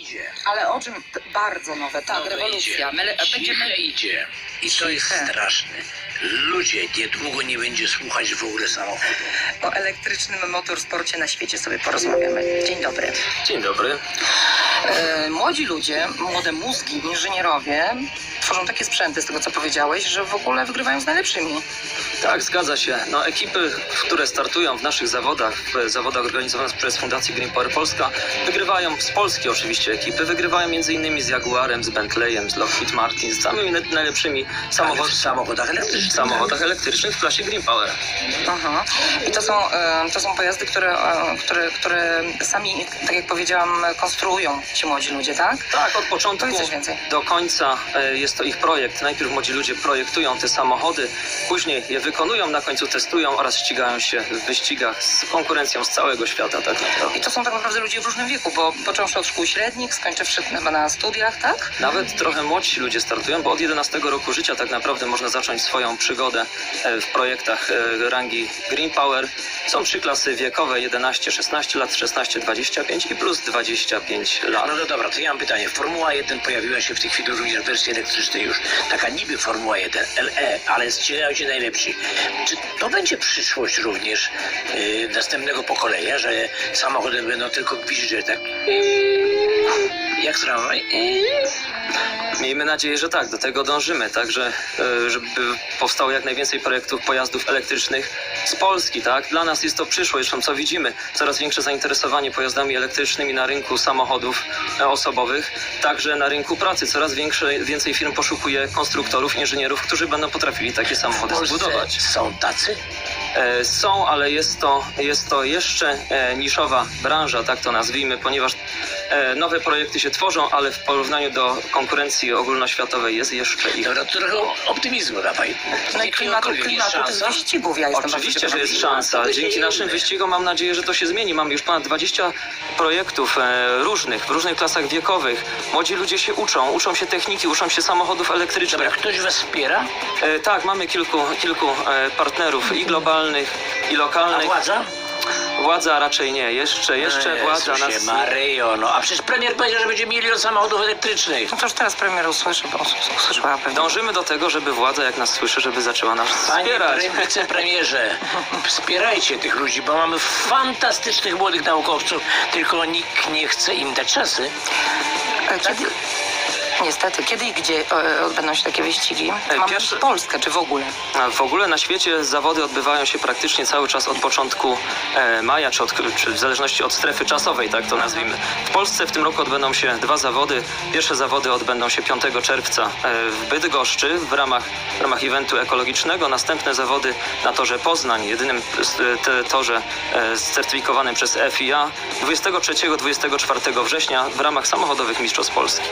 idzie. Ale o czym? Bardzo nowe, tak, rewolucja. My będziemy... Idzie. I to jest straszne. Ludzie, niedługo nie będzie słuchać w ogóle samochodu. O elektrycznym motorsporcie na świecie sobie porozmawiamy. Dzień dobry. Dzień dobry. Młodzi ludzie, młode mózgi, inżynierowie tworzą takie sprzęty, z tego co powiedziałeś, że w ogóle wygrywają z najlepszymi. Tak, zgadza się. No, ekipy, które startują w naszych zawodach, w zawodach organizowanych przez Fundację Green Power Polska, wygrywają, z Polski oczywiście ekipy, wygrywają m.in. z Jaguarem, z Bentleyem, z Lockheed Martin, z samymi najlepszymi W samochodach elektrycznych. w klasie Green Power. I to są pojazdy, które sami, tak jak powiedziałam, konstruują ci młodzi ludzie, tak? Tak, od początku Powiedz coś więcej. do końca jest to ich projekt. Najpierw młodzi ludzie projektują te samochody, później je wykonują, na końcu testują oraz ścigają się w wyścigach z konkurencją z całego świata tak naprawdę. I to są tak naprawdę ludzie w różnym wieku, bo począwszy od szkół średnich, skończywszy chyba na studiach, tak? Nawet trochę młodsi ludzie startują, bo od 11 roku życia tak naprawdę można zacząć swoją przygodę w projektach rangi Green Power. Są 3 klasy wiekowe, 11-16 lat, 16-25 i plus 25 lat. No dobra, to ja mam pytanie. Formuła 1 pojawiła się w tej chwili również w wersji elektrycznej już. Taka niby Formuła 1, LE, ale ścigają się najlepsi. Czy to będzie przyszłość również następnego pokolenia, że samochody będą tylko gwizdże, tak? Jak tramwaj? Miejmy nadzieję, że tak, do tego dążymy, także żeby powstało jak najwięcej projektów pojazdów elektrycznych z Polski, tak? Dla nas jest to przyszłość, zresztą co widzimy, coraz większe zainteresowanie pojazdami elektrycznymi na rynku samochodów osobowych, także na rynku pracy. Coraz więcej firm poszukuje konstruktorów, inżynierów, którzy będą potrafili takie samochody zbudować. Są tacy? Są, ale jest to jeszcze niszowa branża, tak to nazwijmy, ponieważ nowe projekty się tworzą, ale w porównaniu do konkurencji ogólnoświatowej jest jeszcze ich. Dobra, to trochę optymizmu dawaj. No i klimatu tych wyścigów, ja jestem Oczywiście, bardzo że jest ciekawa. szansa. Dzięki naszym wyścigom mam nadzieję, że to się zmieni. Mamy już ponad 20 projektów w różnych klasach wiekowych. Młodzi ludzie się uczą się techniki, uczą się samochodów elektrycznych. Dobra, ktoś was wspiera? Tak, mamy kilku partnerów i globalnych, i A lokalnych. władza? Władza raczej nie. Jeszcze władza Jezusie nas... Maryjo, no a przecież premier powiedział, że będzie 1 milion samochodów elektrycznych. No to już teraz premier usłyszy, bo usłyszała pewnie. Dążymy do tego, żeby władza, jak nas słyszy, żeby zaczęła nas Panie wspierać. wicepremierze, wspierajcie tych ludzi, bo mamy fantastycznych młodych naukowców, tylko nikt nie chce im dać szansy. Kiedy... Niestety, kiedy i gdzie odbędą się takie wyścigi? Mamy Pierwszy- Polskę, czy w ogóle? A w ogóle na świecie zawody odbywają się praktycznie cały czas od początku maja, czy w zależności od strefy czasowej, tak to nazwijmy. W Polsce w tym roku odbędą się 2 zawody. Pierwsze zawody odbędą się 5 czerwca w Bydgoszczy w ramach eventu ekologicznego. Następne zawody na torze Poznań, jedynym torze certyfikowanym przez FIA 23-24 września w ramach samochodowych Mistrzostw Polski.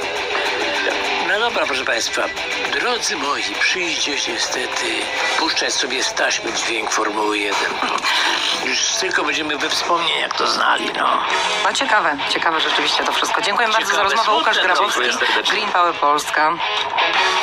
No dobra, proszę Państwa, drodzy moi, przyjdzie niestety puszczać sobie z taśmy dźwięk Formuły 1. Już tylko będziemy we wspomnieniach to znali, no. No ciekawe rzeczywiście to wszystko. Dziękuję bardzo za Ciekawe, rozmowę. Łukasz smutne, no. Grabowski, Dziękuję serdecznie. Green Power Polska.